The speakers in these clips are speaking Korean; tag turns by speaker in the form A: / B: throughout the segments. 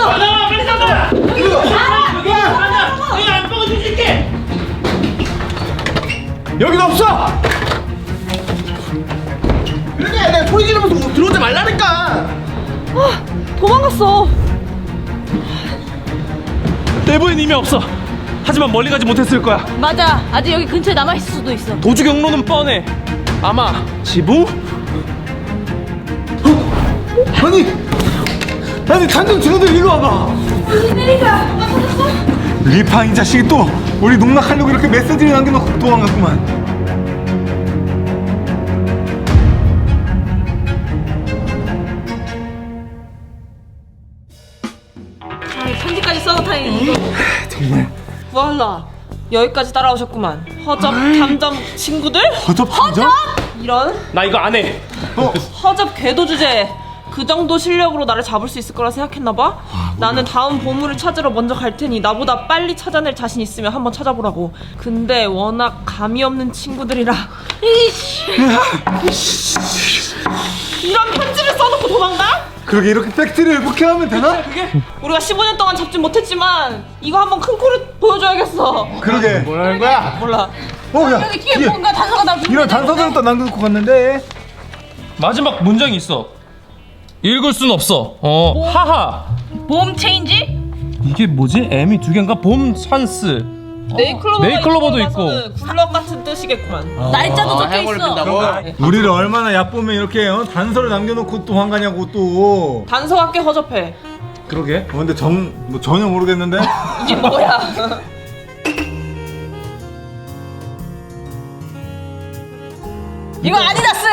A: 나와 빨리 나가. 여기 안방을 뒤질게.
B: 여기도 없어. 그러게 내가 소리 지르면서 들어오지 말라니까.
C: 도망갔어.
A: 내부엔 이미 없어. 하지만 멀리 가지 못했을 거야.
C: 맞아. 아직 여기 근처에 남아있을 수도 있어.
A: 도주 경로는 뻔해. 아마 지붕?
B: 아니 단전 친구들 이리 와봐. 리파 이 자식이 또 우리 농락하려고 이렇게 메시지를 남겨놓고 도망갔구만.
C: 편지까지 써놓다니.
B: 정말
C: voilà. 여기까지 따라오셨구만. 허접 탐정 친구들?
B: 허접 탐정?
C: 이런
A: 나 이거 안 해.
C: 허접 궤도 주제. 그 정도 실력으로 나를 잡을 수 있을 거라 생각했나봐? 나는 다음 보물을 찾으러 먼저 갈 테니 나보다 빨리 찾아낼 자신 있으면 한번 찾아보라고. 근데 워낙 감이 없는 친구들이라 이런 편지를 써놓고 도망가?
B: 그러게 이렇게 팩트를 복해하면 되나?
C: 우리가 15년 동안 잡지 못했지만 이거 한번 큰 코를 보여줘야겠어.
B: 그러게 뭐라는 거야?
C: 몰라.
B: 야
C: 여기 뒤에 뭔가 단서가 나
B: 이런 단서들을 또 남겨놓고 갔는데.
A: 마지막 문장이 있어. 읽을 순 없어. 하하.
C: 봄 체인지?
A: 이게 뭐지? M이 두 개인가? 봄 찬스. 네이클로버도 있고.
C: 굴럭 같은 뜻이겠구만.
D: 날짜도 적혀 있어.
B: 우리를 얼마나 얕보면 이렇게 단서를 남겨놓고 또 황가냐고 또.
C: 단서가 꽤 허접해.
A: 그러게.
B: 근데 뭐 전혀 모르겠는데.
C: 이게 뭐야?
D: 이거 아디다스.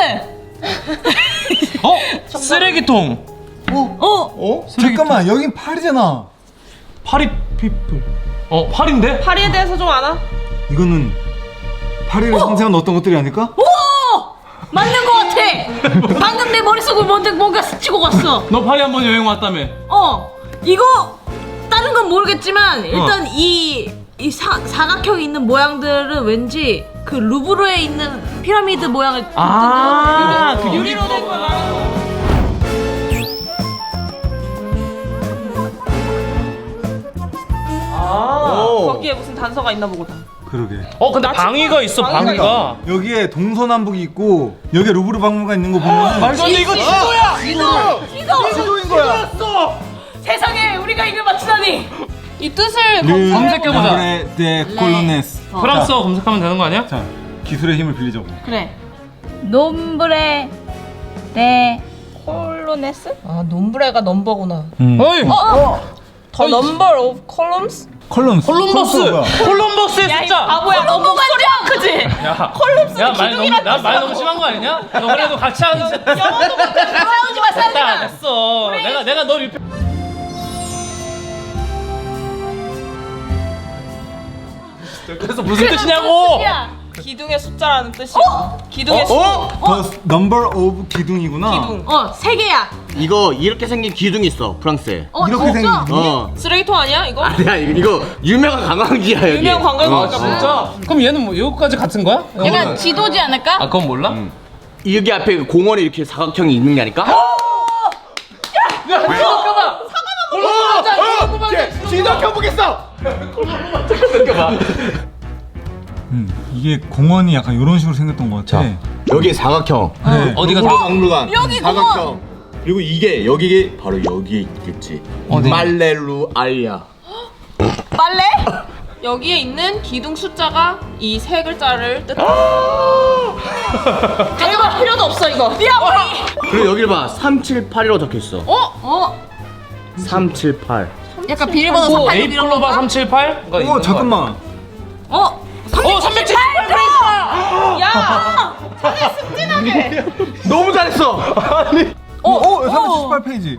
A: 쓰레기통.
B: 잠깐만 여긴 팔이잖아.
A: 파리 피플. 팔인데?
C: 파리에 대해서 좀 아나?
B: 이거는 파리를 상징하는 어떤 것들이 아닐까?
D: 오! 맞는 거 같아. 방금 내 머릿속을 뭔가 스치고 갔어.
A: 너 파리 한번 여행 왔다며.
D: 이거 다른 건 모르겠지만 일단 이 사각형이 있는 모양들은 왠지 그 루브르에 있는 피라미드 모양을
A: 그
C: 유리로 된 거 말하는 거. 거기에 무슨 단서가 있나 보다.
B: 그러게.
A: 근데 방위가 있어. 방위가.
B: 여기에 동서남북이 있고 여기에 루브르 박물관 있는 거 보면
A: 말도 안 돼. 이거 지도야.
B: 지도인 거야.
D: 세상에 우리가 이걸 맞추다니.
C: 이 뜻을
A: 검색해보자.
B: 데 콜로네스.
A: 프랑스어 검색하면 되는 거 아니야?
B: 자, 기술의 힘을 빌리자고.
D: 그래. nombre de
C: 콜로네스? nom브레가 넘버구나.
A: 어이.
C: The number of columns?
B: 콜럼버스.
A: 콜럼버스의
C: 야, 이
A: 숫자.
C: 바보야. 너무 소리야, 그지?
A: 야,
C: 콜럼스는
A: 말
C: 기둥이란
A: 너무 말 너무 심한 거 아니냐? 너 그래도 같이 하는.
C: 영어도 못해. 싸우지 마, 싸우지 마.
A: 됐어. 내가 널 그래서 무슨 뜻이냐고?
C: 기둥의 숫자라는 뜻이야. 기둥의 숫자.
B: The number of 기둥이구나.
C: 기둥.
D: 세 개야.
E: 이거 이렇게 생긴 기둥이 있어 프랑스에.
B: 이렇게 생긴
C: 쓰레기통 아니야, 이거?
E: 아니야 이거 유명한 관광지야 여기.
C: 유명 관광지니까.
A: 진짜? 그럼 얘는 뭐 이거까지 같은 거야?
D: 약간 지도지 않을까?
A: 그건 몰라?
E: 여기 앞에 그 공원에 이렇게 사각형이 있는 게 아닐까?
B: 지도켜 보겠어. 이게 공원이 약간 이런 식으로 생겼던 것 같아.
E: 여기에 사각형.
B: 네.
A: 어디가
E: 박물관.
D: 여기
E: 사각형. 그리고 이게 여기 바로 여기에 있겠지. 말레루 알야.
D: 빨래?
C: 여기에 있는 기둥 숫자가 이 세 글자를 뜻한다. 가져갈 필요도 없어, 이거.
E: 그리고 여길 봐 378이라고 적혀 있어. 378.
D: 약간 비밀번호 48
A: A 플로바 378?
B: 잠깐만.
A: 378!
C: 야!
E: 너무 잘했어.
B: 378페이지.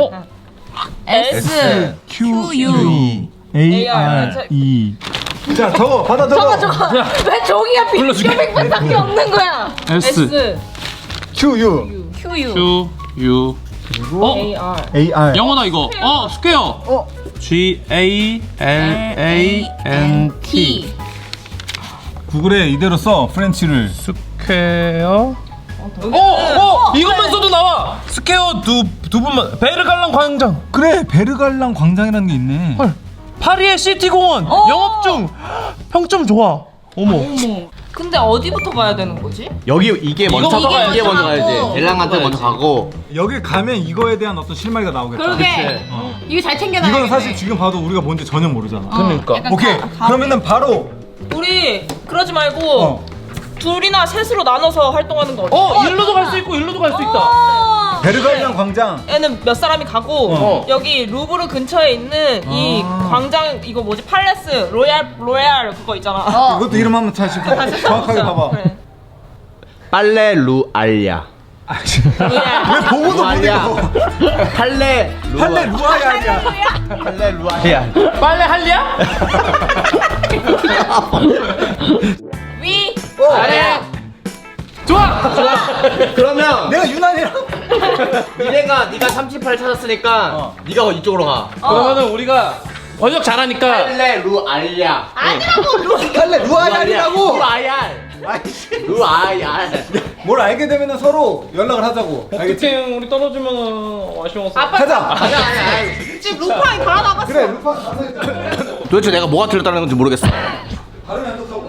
D: S
B: Q U A R E. 자, 받아 적어.
D: 왜 종이가 빙빙밖에 없는 거야?
C: S,
B: Q U
D: Q U
A: Q, U.
C: A, R.
B: A R.
A: 영어다 이거. 스퀘어. G A L A N T.
B: 구글에 이대로 써
A: 스퀘어. 이것만 써도 나와. 스퀘어 두 두 분만. 베르갈랑 광장.
B: 그래 베르갈랑 광장이라는 게 있네.
A: 헐. 파리의 시티 공원 영업 중. 평점 좋아. 어머.
C: 근데 어디부터 가야 되는 거지?
E: 여기 이게 먼저
A: 이거
E: 가야지. 이게 먼저
C: 가고.
E: 가야지. 엘랑한테 먼저 가고.
B: 여기 가면 이거에 대한 어떤 실마리가 나오겠다.
D: 그러게. 이거 잘 챙겨놔야
B: 이건 사실 지금 봐도 우리가 뭔지 전혀 모르잖아.
A: 그러니까.
B: 오케이. 그러면은 바로
C: 우리 그러지 말고 둘이나 셋으로 나눠서 활동하는 거 어때?
A: 일로도 갈 수 있고 일로도 갈 수 있다.
B: 베르갈랑 광장.
C: 얘는 몇 사람이 가고 여기 루브르 근처에 있는 이 광장 이거 뭐지 팔레스 로얄 그거 있잖아.
B: 이것도 이름 한번 다시 정확하게 봐봐.
C: 그래.
E: 빨레 루알야.
C: 로얄.
B: 왜 보고도 못 읽어?
E: 팔레
B: 할래 루아야 아니야.
E: 팔레 루알야.
A: 빨래 할리야?
C: 위.
A: 아래. 좋아.
E: 그러면
B: 내가 유난이랑
E: 미래가 네가 38 찾았으니까 네가 이쪽으로 가.
A: 그러면은 우리가 번역 잘하니까.
E: 팔레 루알야.
B: 할래 루아야 아니라고.
E: 루알야. 루알야.
B: 뭘 알게 되면은 서로 연락을 하자고. 알겠지?
A: 어떻게 우리 떨어지면 아쉬워서.
B: 가자.
E: 아니야.
C: 지금 루파이 다 나갔어.
B: 그래 루파 가서 있자.
E: 도대체 내가 뭐가 틀렸다는 건지 모르겠어.
B: 발음이 안 좋다고.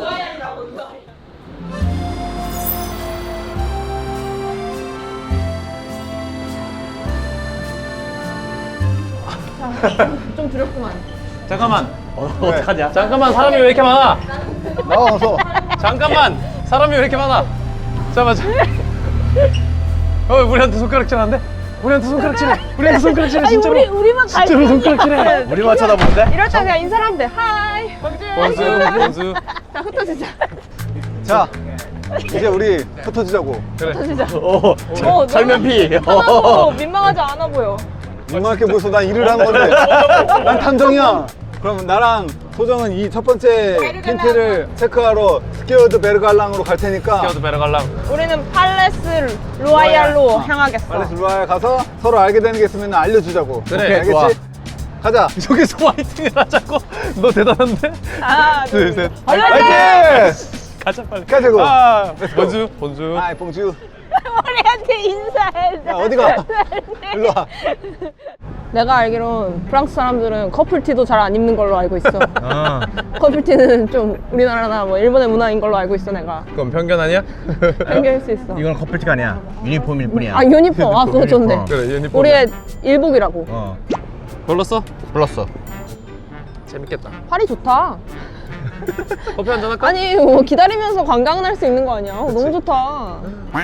C: 좀 두렵구만.
A: 잠깐만.
E: 어떡하냐?
A: 잠깐만 사람이 왜 이렇게 많아?
B: 나와서.
A: 잠깐만 사람이 왜 이렇게 많아? 잠깐만. 우리한테 손가락질하는데? 우리한테 손가락질해. 우리한테 손가락질해 진짜로.
D: 우리만 갈
A: 진짜로 손가락질해.
E: 우리만 쳐다보는데?
D: 이럴 때 그냥 인사하면 돼. 하이.
A: 원수.
D: 자, 흩어지자.
B: 자 이제 우리 흩어지자고.
E: 설면피.
D: 민망하지 않아 보여.
B: 민망하게 보여서 난 일을 한 건데. 난 탐정이야. 그럼 나랑 소정은 이 첫 번째 힌트를 체크하러 스퀘어드 베르갈랑으로 갈 테니까
A: 스퀘어드 베르갈랑.
C: 우리는 팔레스 로얄로 향하겠어.
B: 팔레스 루아에 가서 서로 알게 되는 게 있으면 알려주자고.
A: 그래,
B: 오케이, 알겠지?
E: 좋아.
B: 가자.
A: 여기서 화이팅을 하자고. 너 대단한데?
C: 하나,
A: 둘, 셋.
B: 화이팅!
A: 가자 빨리.
B: 가자고.
A: 본주.
B: 아이 봉주.
D: 우리한테 인사해.
B: 야 어디가? 일로 와.
C: 내가 알기론 프랑스 사람들은 커플티도 잘 안 입는 걸로 알고 있어. 커플티는 좀 우리나라나 뭐 일본의 문화인 걸로 알고 있어 내가.
A: 그건 편견 아니야?
C: 편견일 수 있어.
E: 이건 커플티가 아니야. 유니폼일 뿐이야.
C: 아 유니폼. 아 그거 좋네.
A: 그래 유니폼.
C: 우리의 일복이라고.
A: 불렀어?
E: 불렀어.
A: 재밌겠다.
C: 팔이 좋다.
A: 커피 한잔 할까?
C: 아니 뭐 기다리면서 관광을 할 수 있는 거 아니야? 너무 좋다.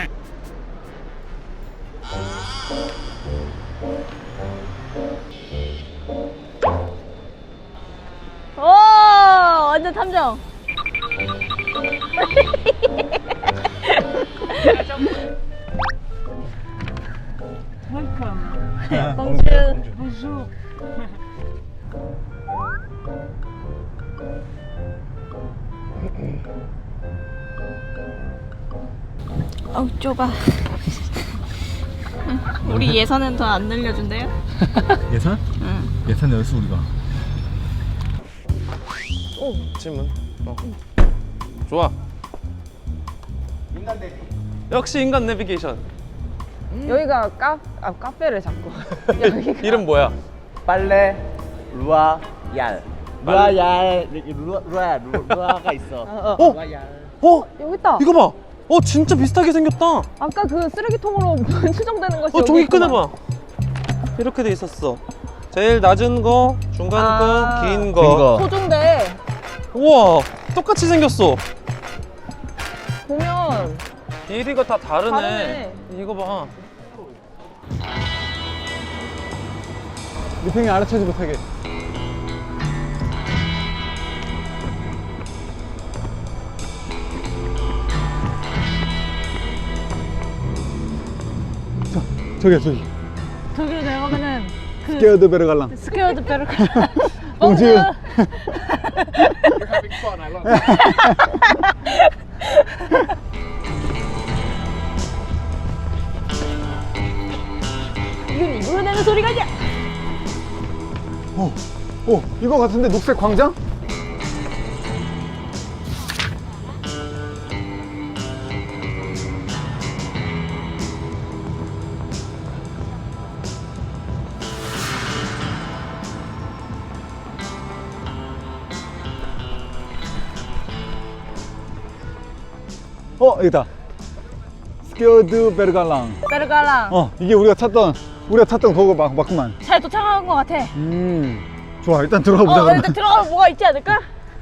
D: 오, 완전 탐정. 봉주. 어우 좁아. 우리 예산은 더 안 늘려준대요?
B: 예산? 응. 예산 열수 우리가.
A: 질문. 좋아. 역시 인간 내비게이션.
C: 여기가 카페를 자꾸. 여기가.
A: 이름 뭐야?
E: 빨레 루아얄. 루아가 있어.
C: 여기 있다.
A: 이거 봐. 진짜 비슷하게 생겼다.
C: 아까 그 쓰레기통으로 추정되는 것이
A: 종이
C: 여기 있구만.
A: 꺼내봐. 이렇게 돼 있었어. 제일 낮은 거, 중간 거, 긴 거.
C: 소중대.
A: 우와, 똑같이 생겼어.
C: 보면
A: 길이가 다 다르네.
C: 다르네.
A: 이거 봐.
B: 리팽이 알아채지 못하게. 저기.
D: 저기로 내려가면은
B: 스퀘어드 베르갈랑.
D: 스퀘어드 베르.
B: 봉주.
D: 이건 입으로 내는 소리가 아니야.
B: 이거 같은데 녹색 광장? 여기다. 스퀘어드 베르갈랑.
D: 베르갈랑.
B: 이게 우리가 찾던 그거 맞구만.
D: 잘 도착한 것 같아.
B: 좋아, 일단 들어가 보자. 그러면.
D: 일단 들어가면 뭐가 있지 않을까?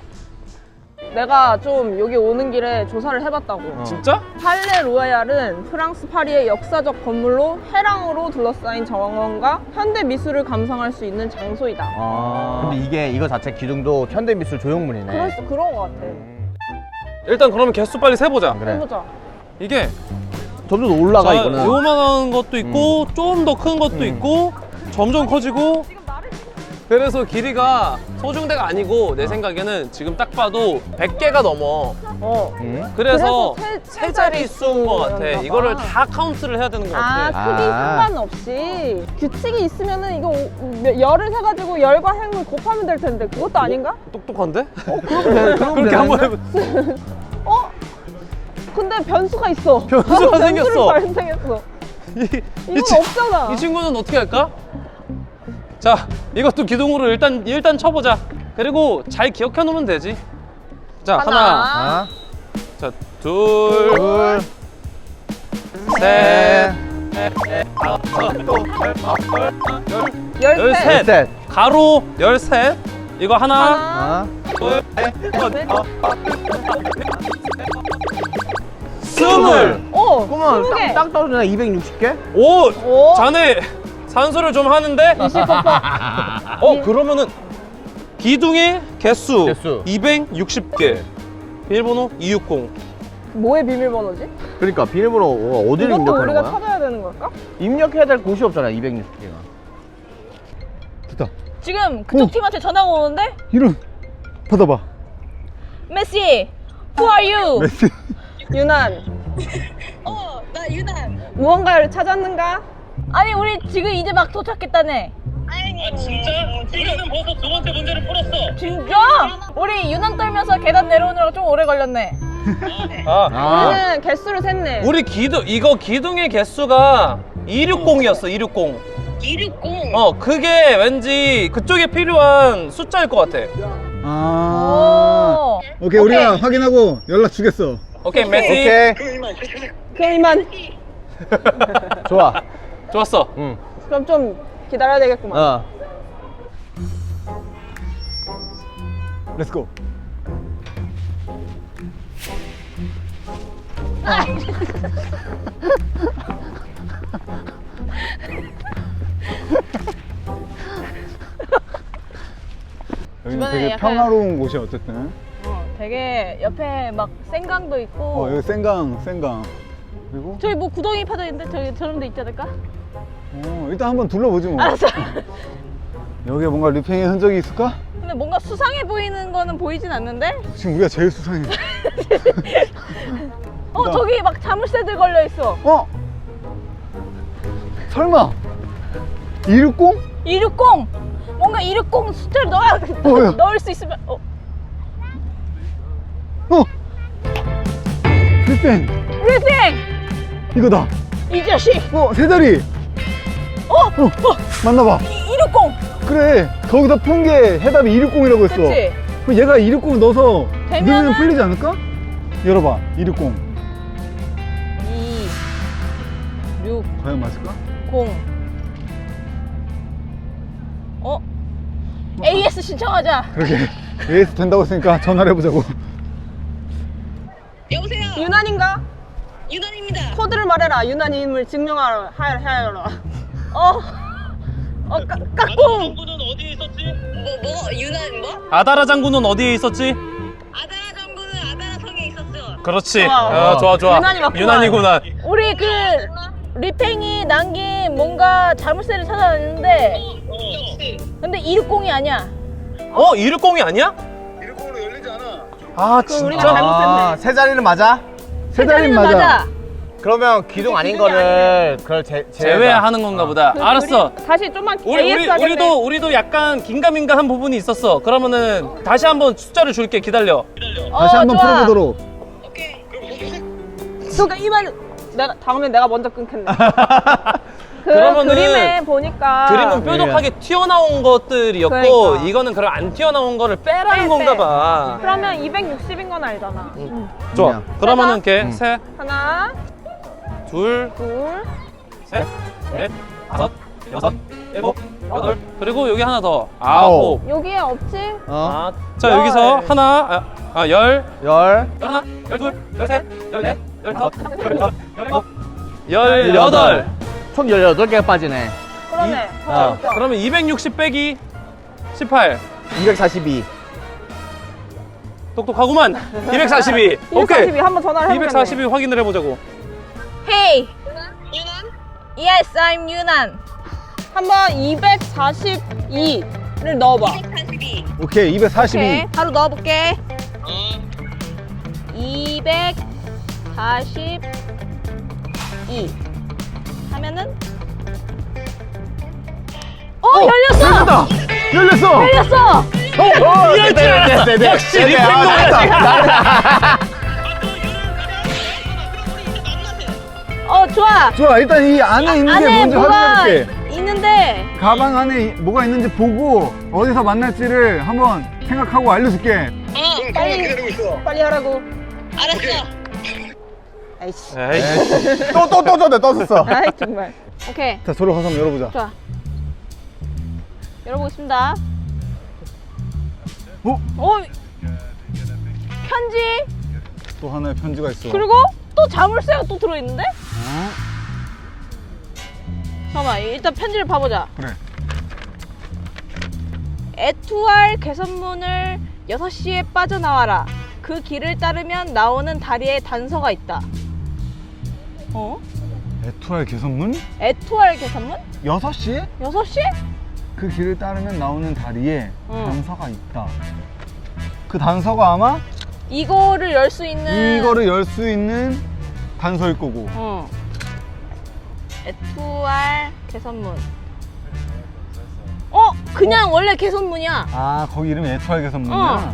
C: 내가 좀 여기 오는 길에 조사를 해봤다고.
A: 진짜?
C: 팔레 로얄은 프랑스 파리의 역사적 건물로 해랑으로 둘러싸인 정원과 현대 미술을 감상할 수 있는 장소이다.
F: 근데 이거 자체 기둥도 현대미술 조형물이네.
C: 그런 것 같아.
A: 일단 그러면 개수 빨리 세보자.
F: 그래.
C: 해보자.
A: 이게
F: 점점 올라가
A: 자,
F: 이거는.
A: 요만한 것도 있고 좀 더 큰 것도 있고 점점 커지고. 그래서 길이가 소중대가 아니고 내 생각에는 지금 딱 봐도 100개가 넘어. 그래서 세 자리 수인 것 같아. 이거를 다 카운트를 해야 되는 것 같아.
C: 크기 상관없이 규칙이 있으면은 이거 열을 세가지고 열과 행을 곱하면 될 텐데 그것도 아닌가?
A: 똑똑한데?
F: 그렇게
A: 한번 해보.
C: 근데 변수가 있어.
A: 변수가 생겼어.
C: 발생했어. 이건 없잖아.
A: 이 친구는 어떻게 할까? 자, 이것도 기둥으로 일단 쳐보자. 그리고 잘 기억해 놓으면 되지. 자, 하나. 자, 둘. 셋. 열셋. 가로 13. 이거 하나. 둘. 스물.
F: 그러면 딱 떨어지나 260개?
A: 오! 자네 산소를 좀 하는데? 그러면은 기둥의 개수 260개. 비밀번호 260.
C: 뭐의 비밀번호지?
F: 그러니까 비밀번호 어디를
C: 이것도
F: 입력하는
C: 우리가
F: 거야?
C: 찾아야 되는 걸까?
F: 입력해야 될 곳이 없잖아 260개가.
B: 됐다.
D: 지금 그쪽 팀한테 전화가 오는데?
B: 이름 받아봐.
D: 메시, who are you?
B: 메시.
C: 유난.
D: 나 유난.
C: 무언가를 찾았는가?
D: 아니 우리 지금 이제 막 도착했다네.
C: 진짜? 우리는 벌써 두 번째 문제를 풀었어.
D: 진짜? 우리 유난 떨면서 계단 내려오느라 좀 오래 걸렸네.
C: 우리는 개수를 셌네.
A: 우리 기둥의 개수가 260이었어. 260. 260? 그게 왠지 그쪽에 필요한 숫자일 것 같아.
B: 오케이, 우리가 확인하고 연락 주겠어.
A: 오케이, 메시.
F: 오케이.
C: 그럼 이만.
F: 좋아.
A: 좋았어.
C: 그럼 좀 기다려야 되겠구만.
B: 렛츠고. 여기는 되게
C: 약간-
B: 평화로운 곳이야 어쨌든.
C: 되게 옆에 막 생강도 있고.
B: 여기 생강. 그리고
D: 저기 뭐 구덩이 파도 있는데 저기 저런 데 있지 않을까?
B: 일단 한번 둘러보지 뭐.
D: 알았어.
B: 여기에 뭔가 리팽의 흔적이 있을까?
D: 근데 뭔가 수상해 보이는 거는 보이진 않는데?
B: 지금 우리가 제일 수상해.
D: 저기 막 자물쇠들 걸려 있어.
B: 설마 260?
D: 260! 뭔가 260 숫자를
B: 야.
D: 넣을 수 있으면
B: 리팽
D: 리생!
B: 이거다.
D: 이 자식!
B: 세 자리. 맞나봐.
D: 260!
B: 그래, 거기다 푼 게 해답이 260이라고 했어.
D: 그치?
B: 그럼 얘가 260을 넣어서
D: 되면은-
B: 넣으면 풀리지 않을까? 열어봐. 260
D: 2, 6,
B: 과연 맞을까?
D: 0. AS 신청하자.
B: 그러게. AS 된다고 했으니까 전화를 해보자고.
C: 유난인가?
D: 유난입니다.
C: 코드를 말해라. 유난임을 증명하라. 하여라. 까꿍.
D: 유난 뭐?
A: 아다라 장군은 어디에 있었지?
D: 아다라 정부는 아다라 성에 있었어.
A: 그렇지. 좋아.
C: 유난이 맞구만.
A: 유난이구나.
D: 우리 그 리팽이 남긴 뭔가 자물쇠를 찾아냈는데 근데 260이 아니야.
A: 260이 아니야?
B: 260으로 열리지 않아.
C: 우리가
A: 진짜?
C: 잘못했네.
F: 세 자리는 맞아?
B: 세 자리는 맞아.
F: 그러면 기둥 아닌 거를 그걸
A: 제외하는 건가 보다. 알았어.
C: 우리 다시 좀만
A: 우리,
C: AS 하겠네.
A: 우리도 약간 긴가민가한 부분이 있었어. 그러면은 다시 한번 숫자를 줄게. 기다려.
B: 다시 한번
D: 좋아.
B: 풀어보도록.
C: 그러니까 이말 다음에 내가 먼저 끊겠네.
A: 그러면은
C: 그림에 보니까
A: 그림은 뾰족하게 튀어나온 것들이었고
C: 그러니까.
A: 이거는 그럼 안 튀어나온 거를 빼라는 건가 봐.
C: 그러면 260인 건 알잖아.
A: 좋아. 그러면은 이렇게 셋,
C: 하나,
A: 둘,
C: 둘,
A: 셋, 넷, 다섯, 여섯, 일곱, 여덟. 그리고 여기 하나 더. 아홉.
C: 여기에 없지?
F: 어.
A: 자 여기서 하나, 열,
F: 열.
A: 하나, 열둘, 열셋, 열넷, 열다섯, 열여섯, 열일곱, 열여덟.
F: 총 18개가 빠지네.
C: 그러네.
A: 그러면 260 빼기 18.
F: 242.
A: 똑똑하구만. 242. 오케이.
C: 242 한번 전화를 해보겠네.
A: 242 확인을 해보자고.
D: Hey. 유난? Yes, I'm 유난.
C: 한번 242를 넣어봐.
D: 242.
B: 오케이 242.
D: 오케이, 바로 넣어볼게. 242 하면은 열렸어!
B: 열렸어.
D: 열렸어!
A: 이럴 줄 알았어. 역시 리팽도야.
D: 좋아.
B: 좋아 일단 이 안에 있는 게
D: 안에
B: 뭔지
D: 뭐가
B: 확인해볼게.
D: 있는데
B: 가방 안에 뭐가 있는지 보고 어디서 만날지를 한번 생각하고 알려줄게.
C: 빨리 하라고.
D: 알았어.
C: 아이씨.
A: 에이.
B: 떴었어.
C: 아이 정말.
D: 오케이.
B: 자 서로 가서 한번 열어보자.
D: 좋아. 열어보겠습니다.
B: 어?
D: 편지.
B: 또 하나의 편지가 있어.
D: 그리고 또 자물쇠가 또 들어있는데?
B: 어?
D: 잠깐만, 일단 편지를 봐보자.
B: 그래.
D: 에투알 개선문을 6시에 빠져나와라. 그 길을 따르면 나오는 다리에 단서가 있다.
B: 에투알 개선문?
D: 에투알 개선문?
B: 6시에?
D: 6시?
B: 그 길을 따르면 나오는 다리에
D: 응.
B: 단서가 있다. 그 단서가 아마
D: 이거를 열 수 있는
B: 이거를 열 수 있는 단서일 거고.
D: 에투알 개선문. 그냥 원래 개선문이야.
B: 아 거기 이름이 에투알 개선문이야?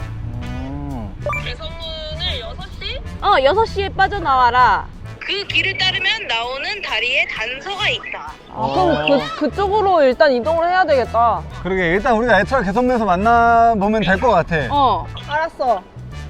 D: 개선문을 6시에 빠져나와라. 그 길을 따르면 나오는 다리에 단서가 있다.
C: 그럼 그쪽으로 일단 이동을 해야 되겠다.
B: 그러게 일단 우리가 에투알 개선문에서 만나보면 될 것 같아.
C: 알았어.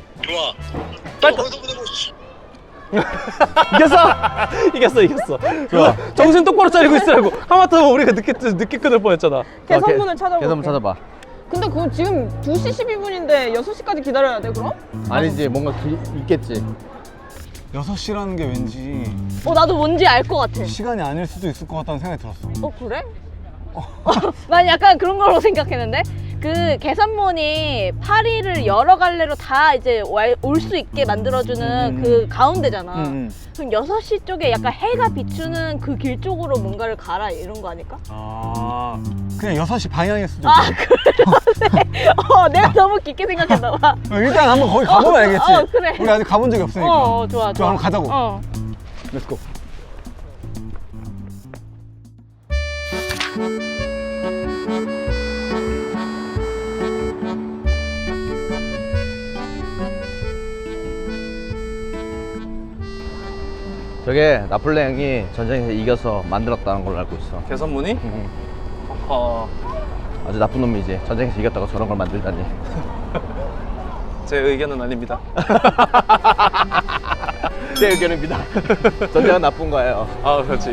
A: 이겼어. 좋아. 정신 똑바로 차리고 있으라고. 하마터면 우리가 늦게 끊을 뻔했잖아.
C: 개선문을 찾아볼게.
F: 개선문 찾아봐.
C: 근데 그거 지금 2시 12분인데 6시까지 기다려야 돼 그럼?
F: 아니지, 뭔가 있겠지.
B: 6시라는 게 왠지
D: 나도 뭔지 알 것 같아.
B: 시간이 아닐 수도 있을 것 같다는 생각이 들었어.
D: 그래? 난 약간 그런 걸로 생각했는데 그 개선문이 파리를 여러 갈래로 다 이제 올 수 있게 만들어주는 그 가운데잖아. 그럼 6시 쪽에 약간 해가 비추는 그 길 쪽으로 뭔가를 가라 이런 거 아닐까?
B: 그냥 6시 방향일 수도
D: 그래. 내가 너무 깊게 생각했나 봐.
B: 일단 한번 거기 가보면 알겠지.
D: 그래.
B: 우리 아직 가본 적이 없으니까.
D: 좋아.
B: 한번 가자고.
D: 어.
B: 렛츠고.
F: 저게 나폴레 형이 전쟁에서 이겨서 만들었다는 걸로 알고 있어.
A: 개선문이?
F: 응.
A: 어,
F: 아주 나쁜 놈이지. 전쟁에서 이겼다고 저런 걸 만들다니.
A: 제 의견은 아닙니다.
F: 제 의견입니다. 전쟁은 나쁜 거예요.
A: 아, 그렇지.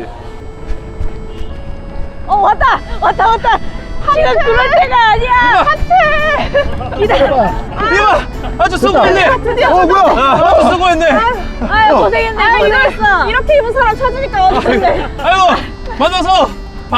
D: 왔다. 지금 그럴 때가 아니야. 하트. 기다려.
A: 이봐! 아주 수고했네!
B: 뭐야?
A: 아주 수고했네!
D: 아유 고생했네. 고생했어.
C: 이렇게 입은 사람 찾으니까 어떡해.
A: 아이고! 만나서!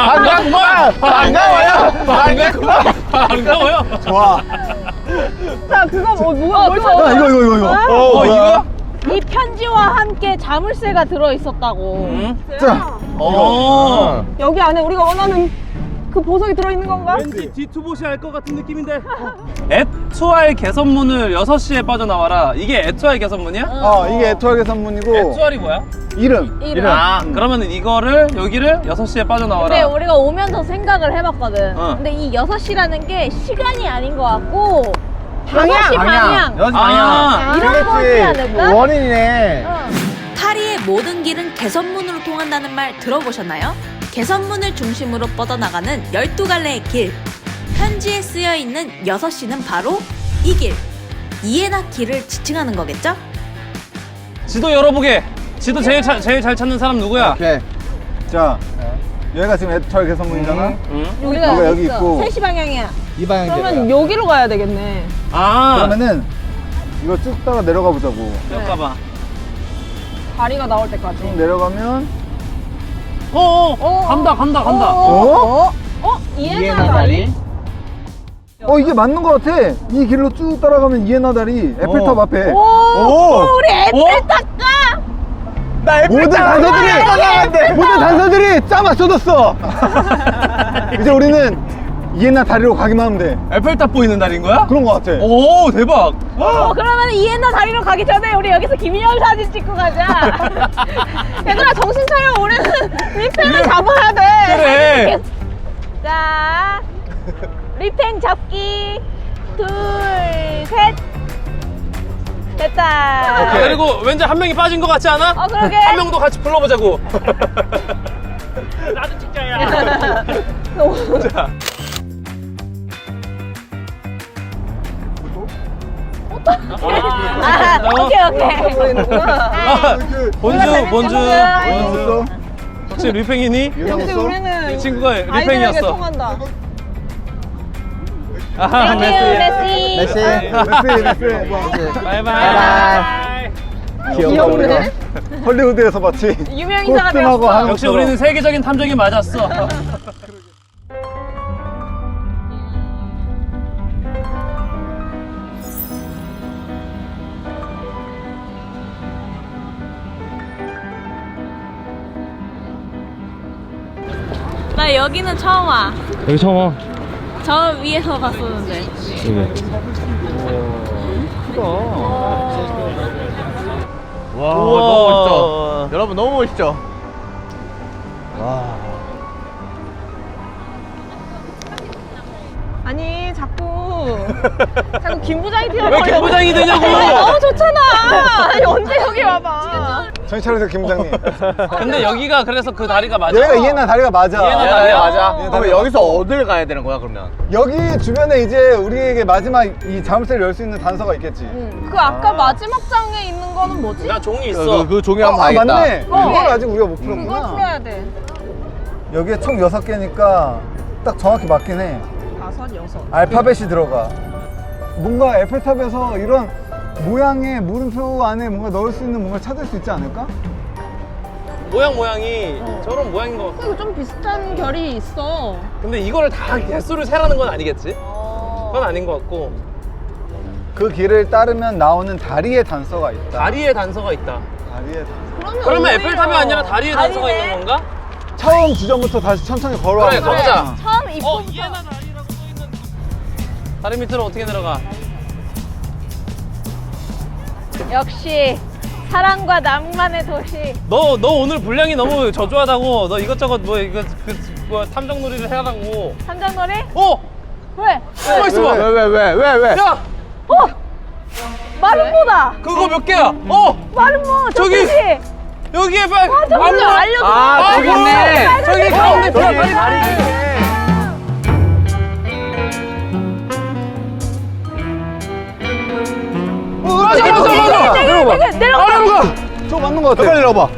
A: 반가워요!
B: 좋아.
C: 자 그거 뭘 찾아?
B: 야, 이거.
A: 이거야?
D: 이 편지와 함께 자물쇠가 들어 있었다고.
B: 자,
C: 여기 안에 우리가 원하는 그 보석이 들어있는 건가?
A: 왠지 뒤투봇이 알 것 같은 느낌인데. 에투알 개선문을 6시에 빠져나와라. 이게 에투알 개선문이야?
B: 이게 에투알 개선문이고
A: 에투알이 뭐야?
B: 이름.
A: 아, 그러면은 여기를 6시에 빠져나와라.
D: 근데 우리가 오면서 생각을 해봤거든.
A: 어.
D: 근데 이 6시라는 게 시간이 아닌 것 같고
C: 방향!
D: 6시 방향.
F: 여기
A: 아,
D: 이런 거지 않을까?
F: 원인이네.
G: 파리의 모든 길은 개선문으로 통한다는 말 들어보셨나요? 개선문을 중심으로 뻗어나가는 12갈래의 길. 편지에 쓰여 있는 6시는 바로 이 길. 이에나 길을 지칭하는 거겠죠?
A: 지도 열어보게. 지도 제일 잘 찾는 사람 누구야?
B: 오케이. 자, 여기가 지금 애철 개선문이잖아.
D: 우리가
B: 여기 있고.
D: 3시 방향이야.
B: 이 방향.
C: 그러면 여기로 가야 되겠네.
A: 아.
B: 그러면은 이거 쭉 따라 내려가 보자고.
A: 잠깐만.
C: 다리가 나올 때까지.
B: 쭉 내려가면
A: 간다.
D: 이해나 다리?
B: 이게 맞는 것 같아. 이 길로 쭉 따라가면 이에나 다리 에펠탑 앞에.
D: 우리 에펠탑 가!
B: 모든 단서들이 짜 맞춰졌어. 이제 우리는 이에나 다리로 가기만 하면 돼.
A: 에펠탑 보이는 날인 거야?
B: 그런 것 같아.
A: 오, 대박.
D: 그러면 이해나 다리로 가기 전에 우리 여기서 김인영 사진 찍고 가자. 얘들아 정신 차려. 우리는 리팽을 잡아야 돼.
A: 그래.
D: 자, 리팽 잡기. 둘, 셋. 됐다.
A: 그리고 왠지 한 명이 빠진 것 같지 않아?
D: 그러게.
A: 한 명도 같이 불러보자고. 나도 찍자야. 자.
D: 오케이.
A: 본주.
B: 유나였어?
A: 혹시 리팽이니?
B: 유나였어?
A: 이 친구가 리팽이었어.
C: 통한다.
A: 아하,
D: 메시.
B: 메시.
A: 바이바이.
B: 귀엽네. 헐리우드에서 봤지.
D: 유명인사가
B: 코스튬하고
D: 되었어.
B: 하는
A: 역시
B: 것처럼.
A: 우리는 세계적인 탐정이 맞았어.
D: 나 여기는 처음 와.
A: 여기 처음 와.
D: 저 위에서 봤었는데.
F: 와,
A: 우와.
F: 너무 멋있죠? 여러분, 너무 멋있죠?
C: 아니 자꾸 김 부장이 뛰어.
A: 왜 김부장이 되냐고.
C: 너무 좋잖아. 아니 언제 여기 와봐.
B: 정신 차리세요, 김 부장님.
A: 근데 여기가 그래서 그 다리가 맞아.
B: 여기가 이에나 다리가 맞아.
A: 이에나
F: 네,
A: 다리야?
F: 맞아.
B: 네,
F: 그럼
B: 다리
F: 여기서
B: 맞고.
F: 어딜 가야 되는 거야, 그러면?
B: 여기 주변에 이제 우리에게 마지막 이 자물쇠를 열 수 있는 단서가 있겠지.
C: 그 아까 마지막 장에 있는 거는 뭐지?
A: 나 종이 있어.
F: 그 종이 한번 봐야겠다.
B: 맞네. 그걸 아직 우리가 못
C: 그걸
B: 풀었구나.
C: 풀어야 돼.
B: 여기에 총 6개니까 딱 정확히 맞긴 해.
C: 5, 6.
B: 알파벳이 들어가. 뭔가 에펠탑에서 이런 모양의 물음표 안에 뭔가 넣을 수 있는 뭔가를 찾을 수 있지 않을까?
A: 모양이 저런 모양인 것 같아.
C: 이거 좀 비슷한 결이 있어.
A: 근데 이거를 다 개수를 세라는 건 아니겠지? 그건 아닌 것 같고.
B: 그 길을 따르면 나오는 다리의 단서가 있다.
A: 다리에 단서가 있다.
B: 다리의 단서.
A: 그러면 에펠탑이 아니라 다리에 단서가 있는 건가?
B: 처음 지점부터 다시 천천히 걸어와.
A: 그래, 가보자.
D: 처음 입고.
A: 이해나 다리라고 써있는 다리 밑으로 어떻게 내려가?
D: 역시 사랑과 낭만의 도시.
A: 너 오늘 분량이 너무 저조하다고. 너 이것저것 뭐 탐정놀이를 해라고.
D: 삼장놀이?
A: 숨어
D: 왜?
A: 있어봐.
F: 왜?
A: 야,
D: 마름모다.
A: 그거 몇 개야?
D: 마름모.
A: 저기!
D: 저기.
A: 여기에 빨리.
D: 저기 알려줘.
F: 아, 저기 있네.
A: 저기 가운데
F: 저기
A: 빨리
F: 다리.
B: 내려봐.
D: 내려가.
B: 저거 맞는 것
F: 빨리
B: 같아.
F: 내려봐.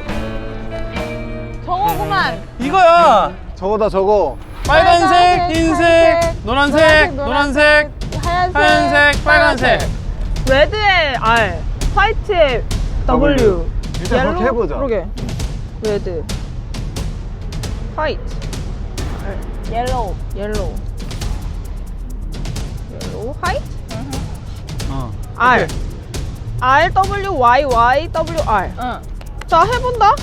D: 저거구만.
A: 이거야.
B: 저거다 저거.
A: 빨간색, 흰색, 노란색, 노란색, 하얀색, 빨간색.
C: 레드에 R, 화이트에 W.
B: 일단 그렇게 해보자.
C: 그러게. 레드, 화이트,
D: 옐로우.
C: 옐로우, 화이트,
B: 어.
C: R, R W Y Y W R.
D: 응.
C: 자 해본다.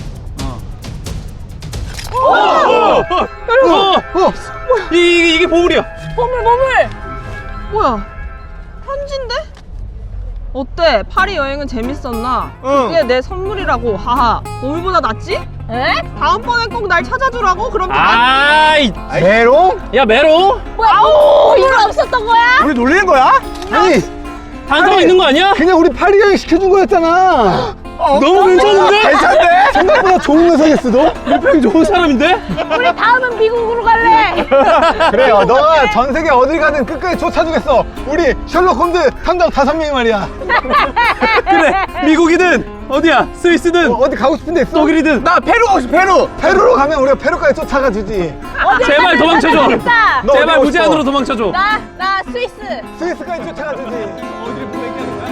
A: 이게 보물이야.
D: 보물.
C: 뭐야? 편지인데? 어때? 파리 여행은 재밌었나? 이게 내 선물이라고. 하하. 보물보다 낫지?
D: 에?
C: 다음번에 꼭 날 찾아주라고. 그럼
A: 아이,
B: 메롱?
A: 야 메롱.
D: 뭐야? 아우, 이거 없었던 거야?
B: 우리 놀리는 거야? 아니
A: 단서가 있는 거 아니야?
B: 그냥 우리 파리 여행 시켜준 거였잖아.
A: 너무 괜찮은데?
B: 괜찮네? 나보다 좋은 녀석이었어 너?
A: 밀평이 좋은 사람인데?
D: 우리 다음은 미국으로 갈래.
B: 그래요 너가 전 세계 어딜 가든 끝까지 쫓아주겠어. 우리 셜록 홈즈 탐정 5명이 말이야.
A: 그래 미국이든 어디야 스위스든
B: 어디 가고 싶은 데 있어?
A: 독일이든
E: 나 페루 가고 싶어 페루.
B: 페루로 가면 우리가 페루까지 쫓아가 주지.
A: 제발 도망쳐줘.
D: 나
B: 너
A: 제발
B: 어디 가고
A: 무제한으로
B: 싶어?
A: 도망쳐줘.
D: 나 스위스.
B: 스위스까지 쫓아가 주지.
A: 어디를 보낼게 하는 거야?